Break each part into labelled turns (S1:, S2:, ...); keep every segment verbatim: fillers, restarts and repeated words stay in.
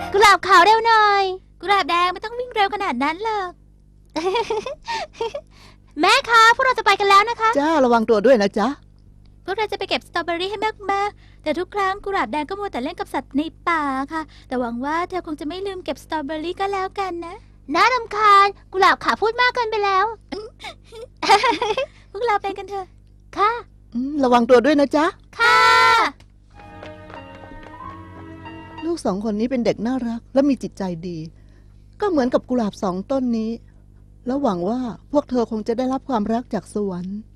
S1: กุหลาบขาวเร็วหน่อย
S2: กุหลาบแดงไม่ต้องวิ่งเร็วขนาดนั้นหรอก
S1: แม่คะพวกเราจะไปกันแล้วนะคะ
S3: จ้าระวังตัวด้วยนะจ๊ะ
S2: พวกเราจะไปเก็บสตรอเบอรี่ให้มากๆแต่ทุกครั้งกุหลาบแดงก็มัวแต่เล่นกับสัตว์ในป่าค่ะแต่หวังว่าเธอคงจะไม่ลืมเก็บสตรอเบอรี่ก็แล้วกันนะ
S1: น่ารำคาญกุหลาบขาวพูดมากเกินไปแล้ว
S2: พวกเราไปกันเถอะ
S1: ค่ะ
S3: ระวังตัวด้วยนะจ๊ะ
S1: ค่ะ
S3: ลูกสองคนนี้เป็นเด็กน่ารักและมีจิตใจดี ก็เหมือนกับกุหลาบสองต้นนี้แล้วหวังว่าพวกเธอคงจะได้รับความรักจากสวรรค์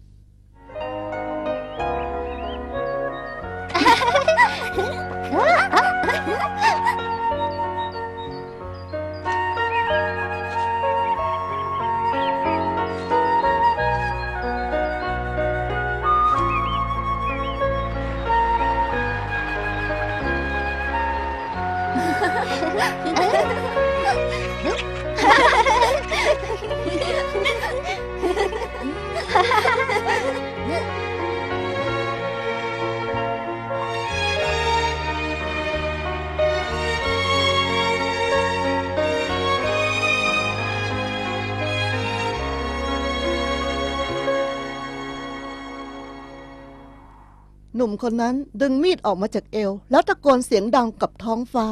S3: หนุ่มคนนั้นดึงมีดออกมาจากเอวแล้วตะโกนเสียงดังกับท้องฟ้า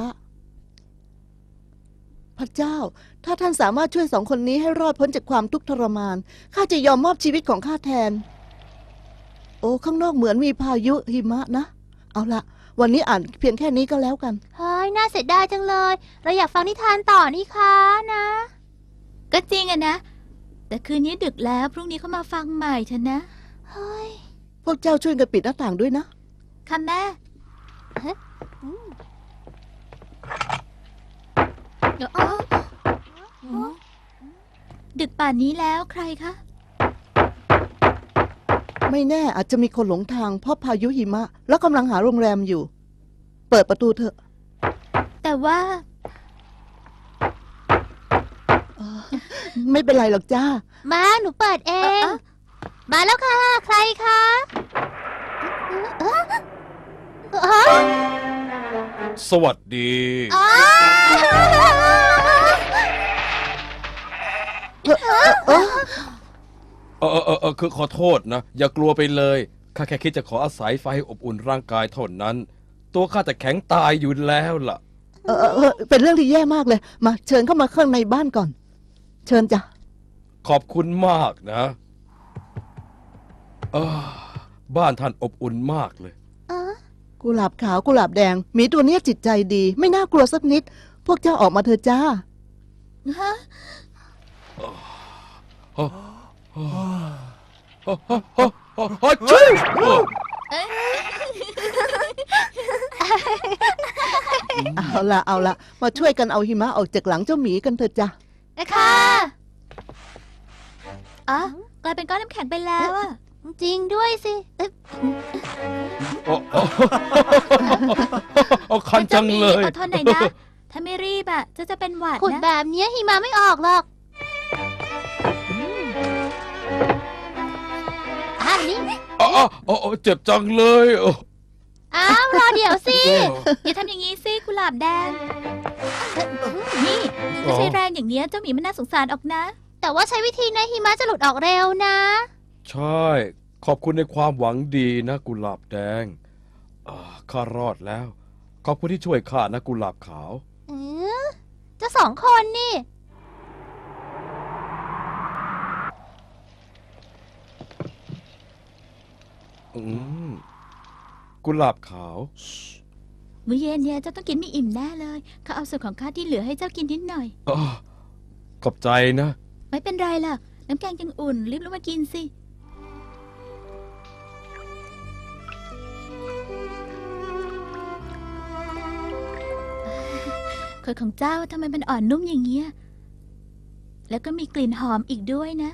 S3: พระเจ้าถ้าท่านสามารถช่วยสองคนนี้ให้รอดพ้นจากความทุกข์ทรมานข้าจะยอมมอบชีวิตของข้าแทนโอ้ข้างนอกเหมือนมีพายุหิมะนะเอาละวันนี้อ่านเพียงแค่นี้ก็แล้วกัน
S1: เฮ้ยน่าเสียดายจังเลยเราอยากฟังนิทานต่อนี่คะนะ
S2: ก็จริงอะนะแต่คืนนี้ดึกแล้วพรุ่งนี้เขามาฟังใหม่เถอะนะ
S1: เฮ้ย
S3: พวกเจ้าช่วยกันปิดหน้าต่างด้วยนะ
S2: ค่ะแม่ดึกป่านนี้แล้วใครคะ
S3: ไม่แน่อาจจะมีคนหลงทางเพราะพายุหิมะแล้วกำลังหาโรงแรมอยู่เปิดประตูเถอะ
S2: แต่ว่า
S3: ไม่เป็นไรหรอกจ้า
S1: มาหนูเปิดเองมาแล้วค่ะใครคะ
S4: สวัสดี
S3: เอ
S4: อเออเออเออคือขอโทษนะอย่ากลัวไปเลยข้าแค่คิดจะขออาศัยไฟให้อบอุ่นร่างกายเท่านั้นตัวข้าจะแข็งตายอยู่แล้วล่ะ
S3: เออเออเป็นเรื่องที่แย่มากเลยมาเชิญเข้ามาข้างในบ้านก่อนเชิญจ้ะ
S4: ขอบคุณมากนะเออบ้านท่านอบอุ่นมากเลย
S3: กุหลาบขาวกุหลาบแดงหมีตัวนี้จิตใจดีไม่น่ากลัวสักนิดพวกเจ้าออกมาเถอะจ้า
S2: ฮะ
S3: เอาละเอาละมาช่วยกันเอาหิมะออกจากหลังเจ้าหมีกันเถอะจ้ะ
S2: ค่ะอ๋อกลายเป็นก้อนน้ำแข็งไปแล้วอะ
S1: จริงด้วยสิ
S4: โอ้คันจังเลย
S2: อดทนหน่อยนะถ้าไม่รีบอะจะจะเป็นหวัดนะ
S1: ขุดแบบนี้หิมะไม่ออกหรอกอันนี้
S4: อ๋ออ๋อเจ็บจังเลย
S1: อ้าวรอเดี๋ยวสิ
S2: อย่าทำอย่างนี้สิกุหลาบแดงนี่ถ้าใช้แรงอย่างนี้เจ้าหมีมันน่าสงสารออกนะ
S1: แต่ว่าใช้วิธีนั้นหิมะจะหลุดออกเร็วนะ
S4: ใช่ขอบคุณในความหวังดีนะกุหลาบแดงข้ารอดแล้วขอบคุณที่ช่วยข้านะกุหลาบขาว
S1: เออเจ้าสองคนนี่
S4: อืมกุหลาบขาว
S2: มื้อเย็นเนี่ยเจ้าต้องกินไม่อิ่มแน่เลยข้าเอาส่วนของข้าที่เหลือให้เจ้ากินนิดหน่อย
S4: อขอบใจนะ
S2: ไม่เป็นไรล่ะน้ำแกงยังอุ่นรีบลงมากินสิขนของเจ้าทำไมมันอ่อนนุ่มอย่างเงี้ยแล้วก็มีกลิ่นหอมอีกด้วยนะ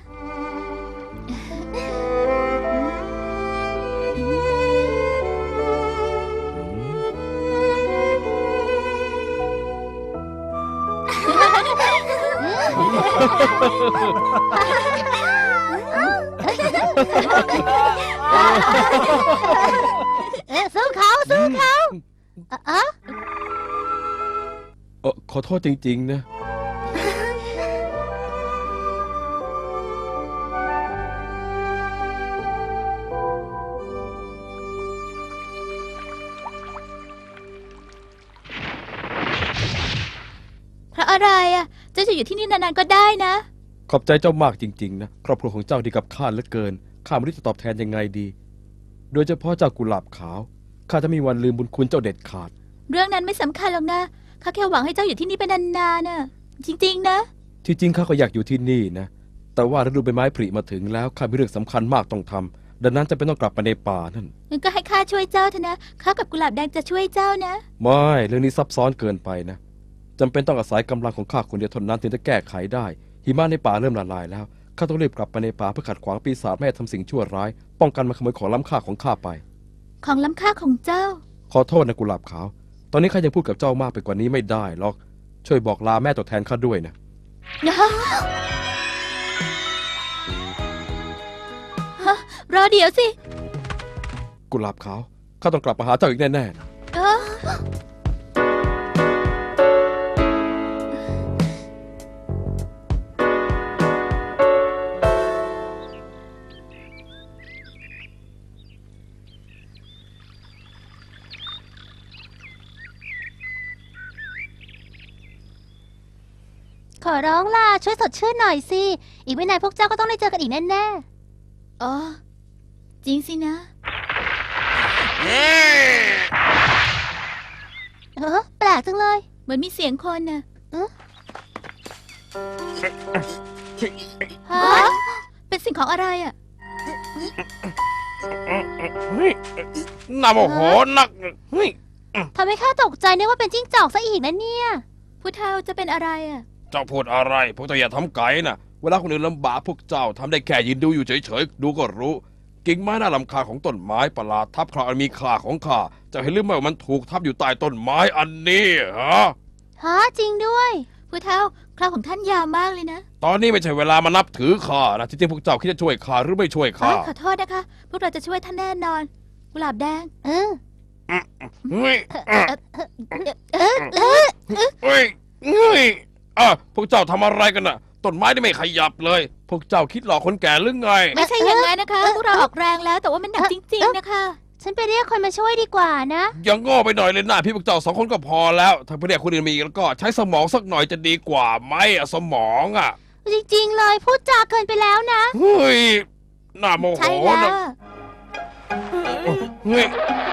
S1: เอ๊ะสู้เขาสู้เขา
S4: โเออขอโทษจริงๆนะ
S2: เพราะอะไรอ่ะเจ้าจะอยู่ที่นี่นานๆก็ได้นะ
S4: ขอบใจเจ้ามากจริงๆนะครอบครัวของเจ้าดีกับข้าเหลือเกินข้าไม่รู้จะตอบแทนยังไงดี โดยเฉพาะเจ้ากุหลาบขาวข้าจะไมมีวันลืมบุญคุณเจ้าเด็ดขาด
S2: เรื่องนั้นไม่สำคัญหรอกนะข้าแค่หวังให้เจ้าอยู่ที่นี่เป็นนานๆน่ะจริงๆนะ
S4: ที่จริงข้าก็อยากอยู่ที่นี่นะแต่ว่าฤดูใบไม้ผลิมาถึงแล้วข้ามีเรื่องสำคัญมากต้องทำดังนั้นจะเป็นต้องกลับไปในป่านั่น
S2: งั้นก็ให้ข้าช่วยเจ้าเถอะนะข้ากับกุหลาบแดงจะช่วยเจ้านะ
S4: ไม่เรื่องนี้ซับซ้อนเกินไปนะจำเป็นต้องอาศัยกำลังของข้าคนเดียวเท่านั้นถึงจะแก้ไขได้หิมะในป่าเริ่มละลายแล้วข้าต้องรีบกลับไปในป่าเพื่อขัดขวางปีศาจไม่ให้ทำสิ่งชั่วร้ายป้องกันมันขโมยของล้ำค่าของข้าไป
S2: ของล้ำค่าของเจ้า
S4: ขอโทษนะกุหลาบขาว ตอนนี้ข้ายังพูดกับเจ้ามากไปกว่านี้ไม่ได้หรอก ช่วยบอกลาแม่ตัวแทนข้าด้วยนะ
S2: ฮะรอเดี๋ยวสิ
S4: กุหลาบขาว ข้าต้องกลับมาหาเจ้าอีกแน่ๆนะ
S2: เออ
S1: ขอร้องล่ะ ช่วยสดชื่นหน่อยสิ อีกไม่นานพวกเจ้าก็ต้องได้เจอกันอีกแน่
S2: อ๋อ จริงสินะ
S1: ๆเออแปลกจังเลย
S2: เหมือนมีเสียงคนน่ะ
S1: ฮะ
S2: เป็นสิ่งของอะไรอ่ะ
S4: น่าโมโหนักเฮ้ย
S1: ทำให้ข้าตกใจนึกว่าเป็นจิ้งจอกซะอีกนะเนี่ย
S2: ผู้เฒ่าจะเป็นอะไรอ่ะ
S4: เจ้าพูดอะไร พวกเจ้าอย่าทำไก่นะเวลาคนอื่นลำบากพวกเจ้าทำได้แค่ยืนดูอยู่เฉยๆ ดูก็รู้ กิ่งไม้น่ารำคาญของต้นไม้ประหลาดทับคราอันมีค่าของข้าเจะเห็นหรือไม่ว่ามันถูกทับอยู่ใต้ต้นไม้อันนี้ฮะ
S1: ฮะจริงด้วย
S2: ผู้เฒ่าคราวของท่านยาวมากเลยนะ
S4: ตอนนี้ไม่ใช่เวลามานับถือข้านะที่จริงพวกเจ้าคิดจะช่วยข้าหรือไม่ช่วย
S2: อ๋
S4: ข้า
S2: อขอโทษนะคะ พวกเราจะช่วยท่านแน่นอน กุหลาบแดง
S1: เออ
S4: เฮ้ย
S1: เออเออ
S4: เฮ้ยเฮ้ยอ่ะพวกเจ้าทำอะไรกันน่ะ ต้นไม้นี่ไม่ขยับเลย พวกเจ้าคิดหลอกคนแก่หรือไง
S2: ไม่ใช่อย่างนั้นนะคะ พวกเราออกแรงแล้วแต่ว่ามันหนักจริง ๆ นะคะ
S1: ฉันไปเรียกคนมาช่วยดีกว่านะ
S4: อย่างโง่ไปหน่อยเลยนะพี่พวกเจ้าสองคนก็พอแล้ว ถ้าเพื่อนคนอื่นมีอีกแล้วก็ใช้สมองสักหน่อยจะดีกว่าไหมอะสมองอ่ะ
S1: จริงๆเลยพูดจาเกินไปแล้วนะ
S4: เฮ้ยน่าโมโห
S2: ใช่แล้ว
S4: นะ
S2: อะ
S4: เฮ้ย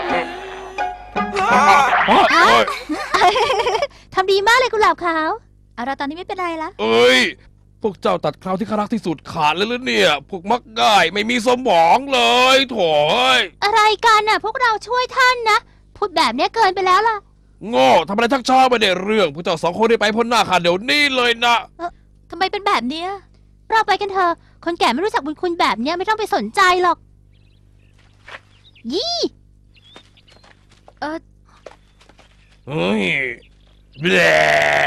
S4: เฮ้ย
S1: ทำดีมากเลยกุหลาบขาว
S2: เอาเราตอนนี้ไม่เป็นไรละ
S4: เอ้ยพวกเจ้าตัดคราวที่ข้ารักที่สุดขาดเลยหรือเนี่ย พวกมักง่ายไม่มีสมองเลยโถ่เอ้ย
S1: อะไรกันน่ะ พวกเราช่วยท่านนะ พูดแบบเนี้ยเกินไปแล้วล่ะ
S4: โง่ทำอะไรทักช้าไม่ได้เรื่องพวกเจ้าสองคนได้ไปพ้นหน้าข้าเดี๋ยวนี้เลยนะ
S2: ทำไมเป็นแบบเนี้ย
S1: เราไปกันเถอะ คนแก่ไม่รู้จักบุญคุณแบบเนี้ยไม่ต้องไปสนใจหรอก ยี่
S2: เออ
S4: เฮ้ยแบะ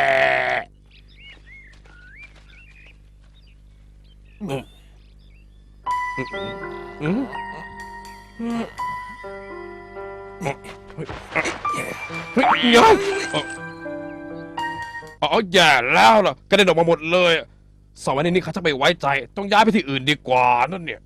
S4: อืมอืมอืมเฮ้ยเฮ้ยเดี๋ยวอ๋อแย่แล้วล่ะกระเด็นออกมาหมดเลยสองวันนี้ข้าจะไม่ไว้ใจ ต้องย้ายไปที่อื่นดีกว่านั่นเนี่ย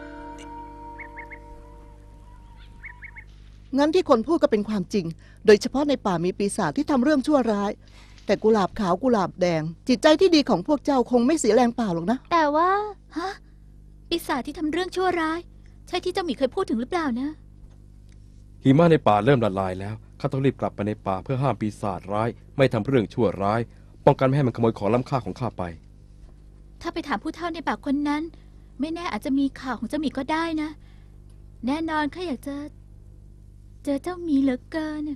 S3: งั้นที่คนพูดก็เป็นความจริง โดยเฉพาะในป่ามีปีศาจที่ทำเรื่องชั่วร้าย แต่กุหลาบขาวกุหลาบแดง จิตใจที่ดีของพวกเจ้าคงไม่เสียแรงเปล่าหรอกนะ
S1: แต่ว่า
S2: ฮะปีศาจที่ทำเรื่องชั่วร้าย ใช่ที่เจ้าหมีเคยพูดถึงหรือเปล่านะ
S4: หิมะในป่าเริ่มละลายแล้วข้าต้องรีบกลับไปในป่าเพื่อห้ามปีศาจร้าย ไม่ทำเรื่องชั่วร้าย ป้องกันไม่ให้มันขโมยของล้ำค่าของข้าไป
S2: ถ้าไปถามผู้เฒ่าในป่าคนนั้น ไม่แน่อาจจะมีข่าวของเจ้าหมีก็ได้นะ แน่นอนข้าอยากจะ เจอเจ้าหมีเหลือเกิน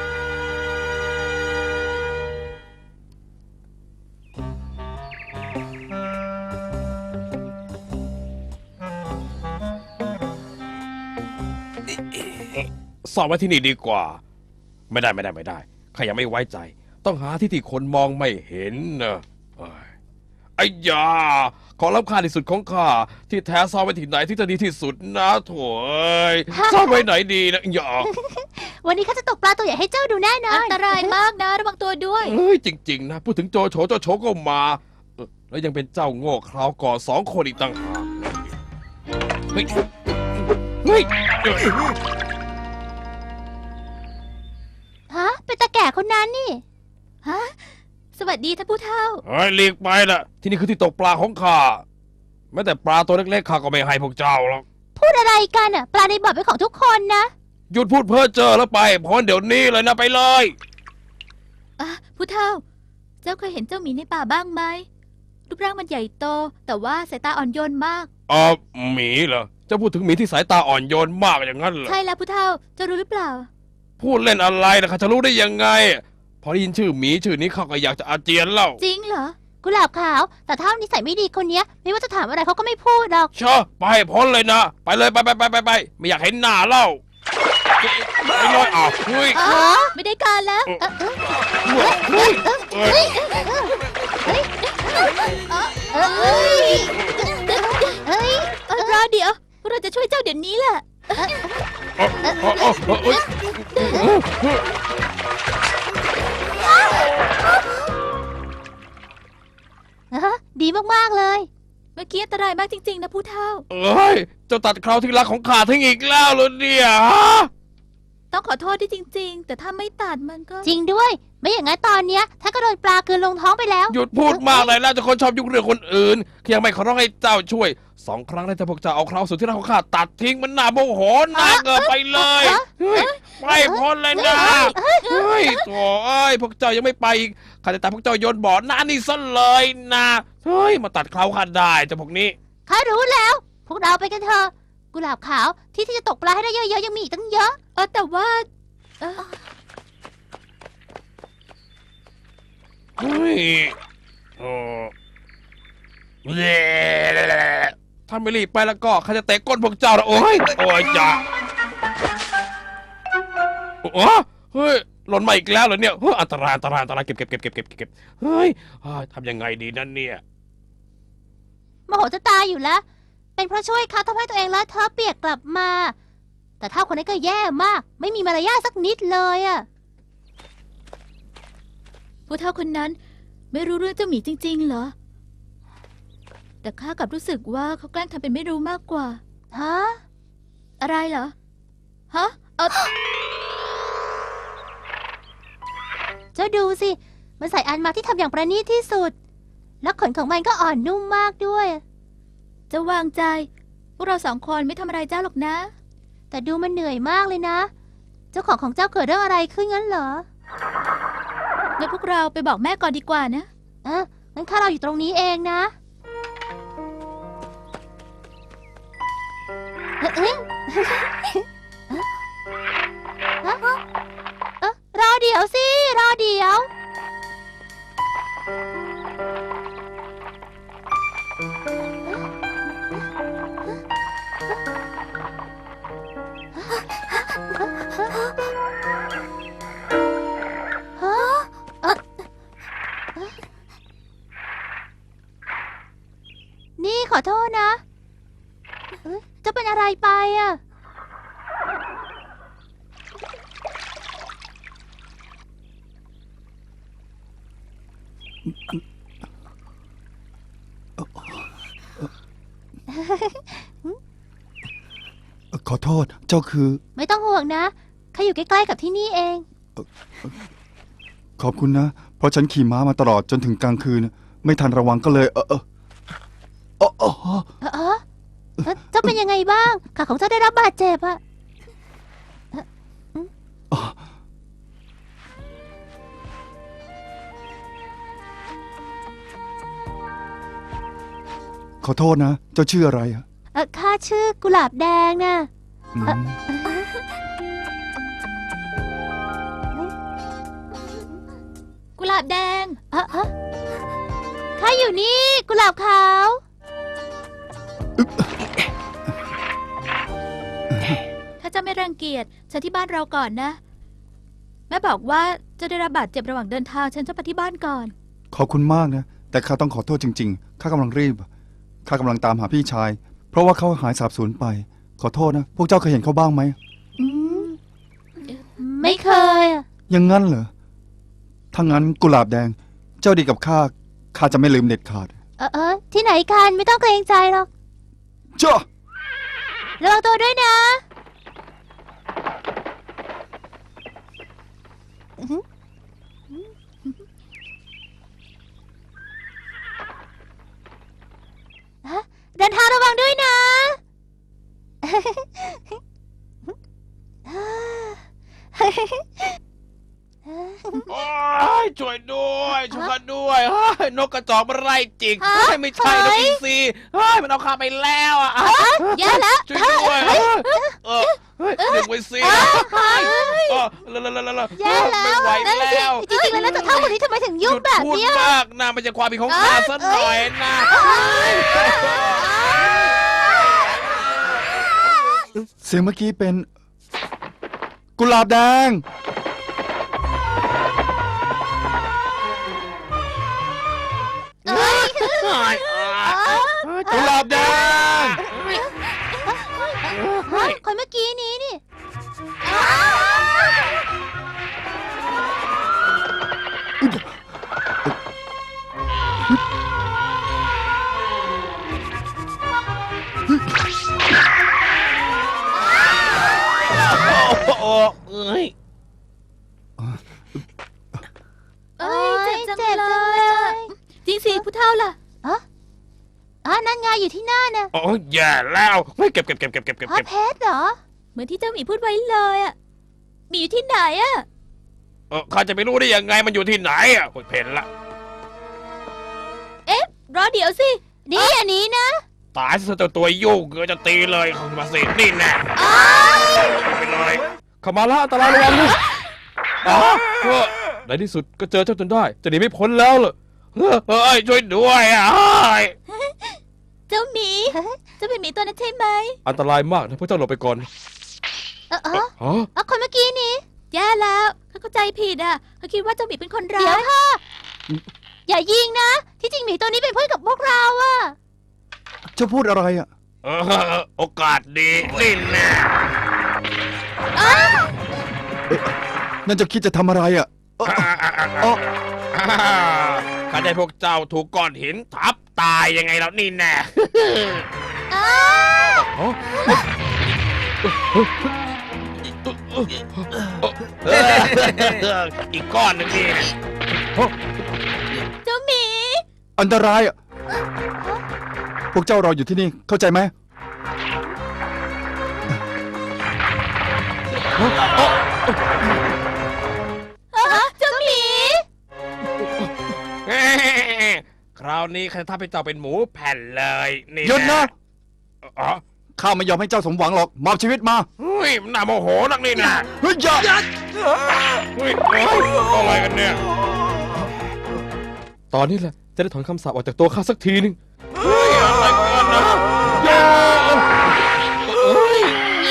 S4: สอบไว้ที่นี่ดีกว่า ไม่ได้ไม่ได้ไม่ได้ข้ายังไม่ไว้ใจ ต้องหาที่ที่คนมองไม่เห็นนะเอ้ยไอ้ยาของล้ำค่าที่สุดของข้าที่แท้ซ่อนไว้ที่ไหนที่จะดีที่สุดนะโถ่เอ้ยซ่อนไว้ไหนดีนะอย่า
S1: วันนี้ข้าจะตกปลาตัวใหญ่ให้เจ้าดูแน่นอ
S2: อั
S1: น
S2: นตรายมากนะ ระวังตัวด้วย
S4: เอ้ยจริงๆนะพูดถึงโจโฉโจโฉก็มาเออแล้วยังเป็นเจ้าโง่คราวก่อนสองคนอีกต่างหากเฮ้ยเฮ้ยเอ้ย
S1: ฮะ เป็นตาแก่คนนั้นนี่
S2: ฮะ สวัสดีท่านผู้เฒ่า
S4: เฮ้ยหลีกไปนะที่นี่คือที่ตกปลาของข้าแม้แต่ปลาตัวเล็กๆข้าก็ไม่ให้พวกเจ้าหรอก
S1: พูดอะไรกันอ่ะ ปลาในบ่อเป็นของทุกคนนะ
S4: หยุดพูดเพ้อเจ้อแล้วไปพ้นเดี๋ยวนี้เลยนะไปเลย
S2: อ่ะผู้เฒ่า เจ้าเคยเห็นเจ้าหมีในป่าบ้างไหม รูปร่างมันใหญ่โต แต่ว่าสายตาอ่อนโยนมาก
S4: เออหมีเหรอเจะพูดถึงหมีที่สายตาอ่อนโยนมากอย่างนั้นเหรอ
S2: ใช่แล้วผู้เฒ่า เจ้ารู้หรือเปล่า
S4: พูดเล่นอะไรนะข้าจะรู้ได้ยังไง พอได้ยินชื่อหมีชื่อนี้ข้าก็อยากจะอาเจียนแล้ว
S2: จริงเหรอ
S1: กุหลาบขาว แต่ถ้านิสัยไม่ดีคนเนี้ย ไม่ว่าจะถามอะไรเขาก็ไม่พูดหรอก
S4: เชอะไปให้พ้นเลยนะ ไปเลยไปไปไปไปไปไม่อยากเห็นหน้าเล่าไปเลยอ้าวเฮ้ย
S2: อ๋อ ไม่ได้การแล้ว
S1: เออเออ
S4: เฮ้ยเฮ้ย
S1: เอ้ยเอ้ย
S2: เออรอเดี๋ยว เราจะช่วยเจ้าเดี๋ยวนี้แหละ
S4: เอ้าเอ้าเอ้าเอ้าเอ้ย
S1: ฮะดีมากๆเลย
S2: เมื่อกี้อันตรายมากจริงๆนะผู้เฒ่า
S4: เอ้ยเจ้าตัดคราวที่รักของข้าทิ้งอีกแล้วเหรอเนี่ยฮะ
S2: ต้องขอโทษด้วยจริง ๆ แต่ถ้าไม่ตัดมันก็
S1: จริงด้วย ไม่อย่างนั้นตอนเนี้ยถ้าก็โดนปลากลืนลงท้องไปแล้ว
S4: หยุดพูดมากเลยนะเจ้าคนชอบยุ่งเรื่องคนอื่นยังไม่ขอร้องให้เจ้าช่วยสองครั้งได้แต่พวกเจ้าเอาคราวสุดที่รักของข้าตัดทิ้งมันน่าโมโหน่าเกินไปเลยเฮ้ยไปพ้นเลยนะเฮ้ยโถ่เอ้ยพวกเจ้ายังไม่ไปอีกข้าจะตัดพวกเจ้าโยนบ่อหน้านี่ซะเลยนะเฮ้ยมาตัดคราวข้าได้เจ้าพวกนี้
S1: ข้ารู้แล้ว พวกเราไปกันเถอะ กุหลาบขาวที่ที่จะตกปลาให้ได้เยอะๆยังมีอีกตั้งเยอะ
S2: เออแต่ว่าเออ
S4: เฮ้ยโอ้ถ้าไม่รีบไปแล้วก็ข้าจะเตะก้นพวกเจ้าละโอ้ยโอ้ยจ้าโอ้เฮ้ยหล่นมาอีกแล้วเหรอเนี่ยเฮ้ยอันตรายอันตรายอันตรายเก็บเก็บเก็บเก็บเก็บเก็บเฮ้ยทำยังไงดีนั่นเนี่ย
S1: โมโหจะตายอยู่แล้ว เป็นเพราะช่วยเขาทำให้ตัวเองเลอะเทอะเปียกกลับมา แต่ถ้าคนนี้นก็แย่มาก ไม่มีมารยาทสักนิดเลยอะ
S2: ผู้เฒ่าคนนั้น ไม่รู้เรื่องเจ้าหมีจริง ๆ เหรอ แต่ข้ากลับรู้สึกว่าเขาแกล้งทำเป็นไม่รู้มากกว่า
S1: ฮะ
S2: อะไรเหรอ ฮะ เออ
S1: เจ้าดูสิ มันใส่อันมาที่ทำอย่างประณีตที่สุด และขนของมันก็อ่อนนุ่มมากด้วย
S2: เจะวางใจ พวกเราสองคนไม่ทำอะไรเจ้าหรอกนะ
S1: แต่ดูมันเหนื่อยมากเลยนะ เจ้าของของเจ้าเกิดเรื่องอะไรขึ้นงั้นเหรอ
S2: งั้นพวกเราไปบอกแม่ก่อนดีกว่านะ
S1: เอองั้นข้าเราอยู่ตรงนี้เองนะเอ๊ะเอ๊ะเอ๊ะเอ๊ะเอ๊ะรอเดี๋ยวสิ รอเดี๋ยว ฮะเอ่อเอ๊ะนี่ขอโทษนะเอ๊ะจะเป็นอะไรไปอ่ะ
S5: ขอโทษ เจ้าคือ
S1: ไม่ต้องห่วงนะข้าอยู่ใกล้ๆกับที่นี่เอง
S5: ขอบคุณนะ เพราะฉันขี่ม้ามาตลอดจนถึงกลางคืน ไม่ทันระวังก็เลย เออเออเออเออ
S1: เออเออเอ๊ะเจ้าเป็นยังไงบ้างขาของเจ้าได้รับบาดเจ็บอะ
S5: ขอโทษนะ เจ้าชื่ออะไรอะ
S1: เออข้าชื่อกุหลาบแดงนะ
S5: อืม
S2: กุหลาบแดง
S1: เออเออข้าอยู่นี่กุหลาบขาว
S2: ถ้าเจ้าไม่รังเกียจฉันที่บ้านเราก่อนนะ แม่บอกว่าเจะได้รับบาดเจ็บระหว่างเดินทางฉันจะไปที่บ้านก่อน
S5: ขอบคุณมากนะ แต่แต่ข้าต้องขอโทษจริงๆ ข้ากำลังรีบ ข้ากำลังตามหาพี่ชาย เพราะว่าเขาหายสาบสูญไป ขอโทษนะ พวกเจ้าเคยเห็นเขาบ้างไหม
S1: อืมไม่เคยอะ
S5: ยังงั้นเหรอ ถ้างั้นกุหลาบแดง เจ้าดีกับข้า ข้าจะไม่ลืมเด็ดขาด
S1: เออเออที่ไหนกันไม่ต้องเกรงใจหรอก
S5: เจ้า
S1: ระวังตัวด้วยนะอื้อหือฮะเดินทางระวังด้วยนะ
S4: โอ้ยช่วยด้วยช่วยกันด้วยเฮ้ยนกกระจอกมันไล่จิก
S1: ฮะ
S4: เฮ้ยไม่ใช่น
S1: เฮ้
S4: ก
S1: ย
S4: อินทรีเฮ้ยมันเอาข้าไปแล้วอ่ะอ่ะ
S1: แย่แล้ว
S4: ช่วยด้วยเฮ้ยเออเฮ้ยดึงไว้สิเฮ้ยเออละละละละละ
S1: แย่แล้ว
S4: ไม่ไหว
S1: นั่นสิ
S4: แล้ว
S1: จริงๆแล้วนะแต่เท่าคนนี้ทำไมถึง
S4: ห
S1: ยุ่
S4: ยุ
S1: ง
S4: ด
S1: แบบ
S4: พูด
S1: เนี้ย
S4: มากนะมันจะความผิดของข้าซะหน่อยนะ
S5: เสียงเมื่อกี้เป็น กุหลาบแดง
S1: เอ้ย
S4: เฮ้ยอ่ะเฮ้ยกุหลาบแดง
S1: เฮ้ยคนเมื่อกี้นี้นี่
S4: โอ้โหเอ้ย
S2: เอ้ยเจ็บจัง
S1: เจ็บ
S2: เล
S1: จัง
S2: ย
S1: เล
S2: อะ
S1: ย
S2: จริงสิผู้เฒ่าล่ะ
S1: อ๋อนั่นไงอยู่ที่หน้าน่ะ
S4: โอ้ยแย่แล้วเฮ้ยเก็บเก็บเก็บเก็บเก็บเก็บ
S1: อ๋อ
S4: เก็บ
S1: เพชรเหรอ
S2: เหมือนที่เจ้าหมีพูดไว้เลยอะหมีอยู่ที่ไหนอะ
S4: เออข้าจะไปรู้ได้ยังไงมันอยู่ที่ไหนอ่ะโอ้ยเพนละ
S2: รอเดี๋ยวสิ
S1: นี่อันนี้นะ
S4: ตายซะตัวตัวยุ่งเกือจะตีเลยเข้ามาสินี่แน่ไปเลยเข้ามาละอันตรายระวังนะอ๋อเออในที่สุดก็เจอเจ้าจนได้จะหนีไม่พ้นแล้วเหรอเฮ้ยเฮ้ยช่วยด้วยอ่ะเฮ้ย
S2: เจ้าหมี เจ้าเป็นหมีตัวนั้นใช่ไหม
S4: อันตรายมากนะพวกเจ้าหลบไปก่อน
S1: เออเออ
S4: ฮะ
S1: เอาคนเมื่อกี้นี้
S2: แย่แล้วเขาเข้าใจผิดอ่ะเขาคิดว่าเจ้าหมีเป็นคนร้า
S1: เดี๋ยวย ค่ะ อย่ายิงนะ ที่จริงหมีตัวนี้เป็นเพื่อนกับพวกเราอะ
S5: เจ้าพูดอะไรอ่ะ
S4: เออโอกาสดีนี่แน่
S5: นั่นเจะคิดจะทำอะไรอ่ะ
S4: อ่าอ่าอ่า
S5: อ๋อ
S4: อ่าข้าได้พวกเจ้าถูกก้อนหินทับตายยังไงแล้วนี่แน่
S1: อ้า
S4: อ๋ออีกก้อนหนึ่งนี่
S2: เจ้าหมี
S5: อันตรายอ่ะ พวกเจ้ารออยู่ที่นี่ เข้าใจไหม
S2: เจ้าหมี
S4: คราวนี้ข้าจะทำให้เจ้าเป็นหมูแผ่นเลยนี่
S5: หยุดนะ
S4: อ๋อ
S5: ข้าไม่ยอมให้เจ้าสมหวังหรอก มอบชีวิตมา
S4: เฮ้ยมันน่าโมโหนักนี่นะ
S5: เฮ้ยอย่า
S4: เฮ้ยเฮ้ยอะไรกันเนี่ย ตอนนี้แหละจะได้ถอนคำสาปออกจากตัวข้าสักทีนึงเฮ้ยอะไรกันนะอย่าเฮ้ย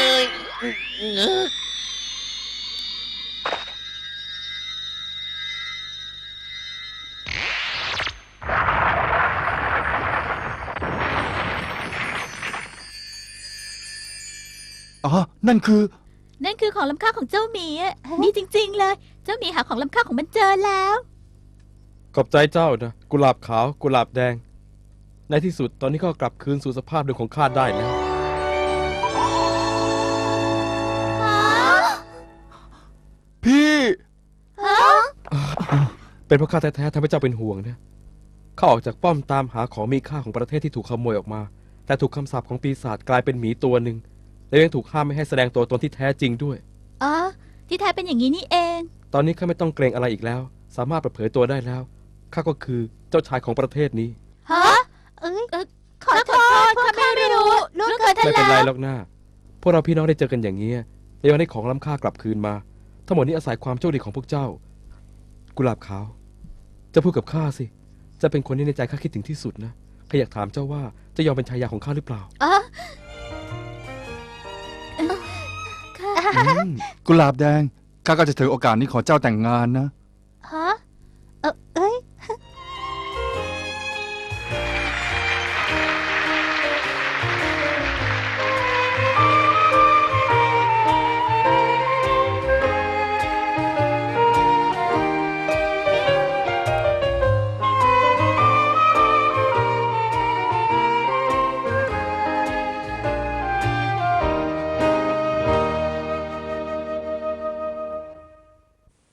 S5: อ๋อ นั่นคือ
S2: นั่นคือของล้ำค่าของเจ้าหมีอะนี่จริง ๆ เลย เจ้าหมีหาของล้ำค่าของมันเจอแล้ว
S4: ขอบใจเจ้านะกุหลาบขาวกุหลาบแดง ในที่สุดตอนนี้ก็กลับคืนสู่สภาพเดิมของข้าได้แล้ว
S5: พี่
S4: เป็นเพราะข้าแท้ๆทำให้เจ้าเป็นห่วงนะข้าออกจากป้อมตามหาของมีค่าของประเทศที่ถูกขโมยออกมา แต่ถูกคำสาปของปีศาจกลายเป็นหมีตัวหนึ่งและยังถูกห้ามไม่ให้แสดงตัวตนที่แท้จริงด้วย
S2: อ๋อ ที่แท้เป็นอย่างนี้นี่เอง
S4: ตอนนี้ข้าไม่ต้องเกรงอะไรอีกแล้ว สามารถเปิดเผยตัวได้แล้วข้าก็คือเจ้าชายของประเทศนี้
S1: ฮะเอ้ย
S2: เอ่อ
S1: ขอโทษพวกข้าไม่รู้ล่วงเกินท่าน
S4: ไม่เป็น
S1: แล้
S4: ไร
S1: ว
S4: หรอกนะพวกเราพี่น้องได้เจอกันอย่างนี้และยังได้ของล้ำค่ากลับคืนมา ทั้งหมดนี้อาศัยความโชคดีของพวกเจ้า กุหลาบขาว จะพูดกับข้าสิ จะเป็นคนที่ในใจข้าคิดถึงที่สุดนะข้าอยากถามเจ้าว่าจะยอมเป็นชายาของข้าหรือเปล่า
S2: อ๋อ
S5: อืมกุหลาบแดง ข้าก็จะถือโอกาสนี้ขอเจ้าแต่งงานนะ
S1: ฮะ